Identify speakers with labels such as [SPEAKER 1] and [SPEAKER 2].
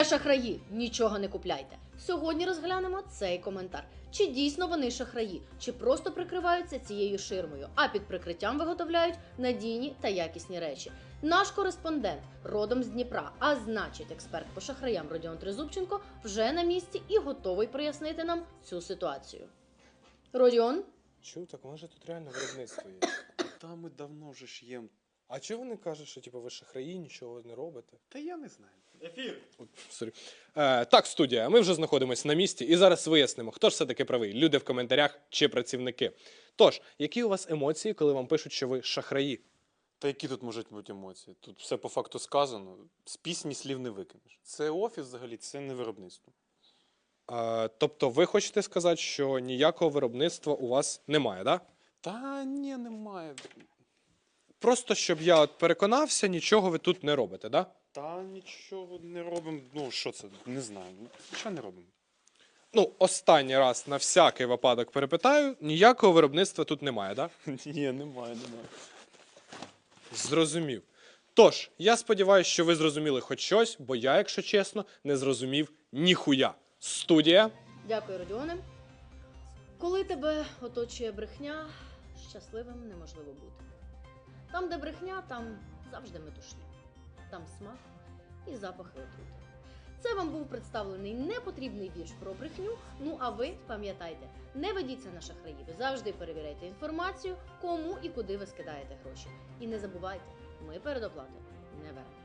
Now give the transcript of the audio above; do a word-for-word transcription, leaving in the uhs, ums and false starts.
[SPEAKER 1] Шахраї, нічого не купляйте. Сьогодні розглянемо цей коментар. Чи дійсно вони шахраї, чи просто прикриваються цією ширмою, а під прикриттям виготовляють надійні та якісні речі. Наш кореспондент родом з Дніпра, а значить експерт по шахраям Родіон Тризубченко вже на місці і готовий прояснити нам цю ситуацію. Родіон?
[SPEAKER 2] Чув, так може тут реально виробництво є.
[SPEAKER 3] Та ми давно вже ж їм.
[SPEAKER 2] А чого вони кажуть, що типу, ви шахраї, нічого не робите?
[SPEAKER 3] Та я не знаю. Ефір.
[SPEAKER 2] От, сорі. Е, так, студія, ми вже знаходимося на місці і зараз вияснимо, хто ж все-таки правий, люди в коментарях чи працівники. Тож, які у вас емоції, коли вам пишуть, що ви шахраї?
[SPEAKER 3] Та які тут можуть бути емоції? Тут все по факту сказано. З пісні слів не викинеш. Це офіс взагалі, це не виробництво.
[SPEAKER 2] Е, тобто ви хочете сказати, що ніякого виробництва у вас немає, так? Да?
[SPEAKER 3] Та ні, немає.
[SPEAKER 2] Просто, щоб я от переконався, нічого ви тут не робите, так? Да?
[SPEAKER 3] Та нічого не робимо. Ну, що це? Не знаю. Нічого не робимо.
[SPEAKER 2] Ну, останній раз на всякий випадок перепитаю, ніякого виробництва тут немає, так? Да?
[SPEAKER 3] Ні, немає, немає.
[SPEAKER 2] Зрозумів. Тож, я сподіваюся, що ви зрозуміли хоч щось, бо я, якщо чесно, не зрозумів ніхуя. Студія.
[SPEAKER 1] Дякую, Родіоне. Коли тебе оточує брехня, щасливим неможливо бути. Там, де брехня, там завжди метушня. Там смак і запахи отрути. Це вам був представлений непотрібний вірш про брехню. Ну а ви пам'ятайте, не ведіться на шахраїв. Завжди перевіряйте інформацію, кому і куди ви скидаєте гроші. І не забувайте, ми передоплати не беремо.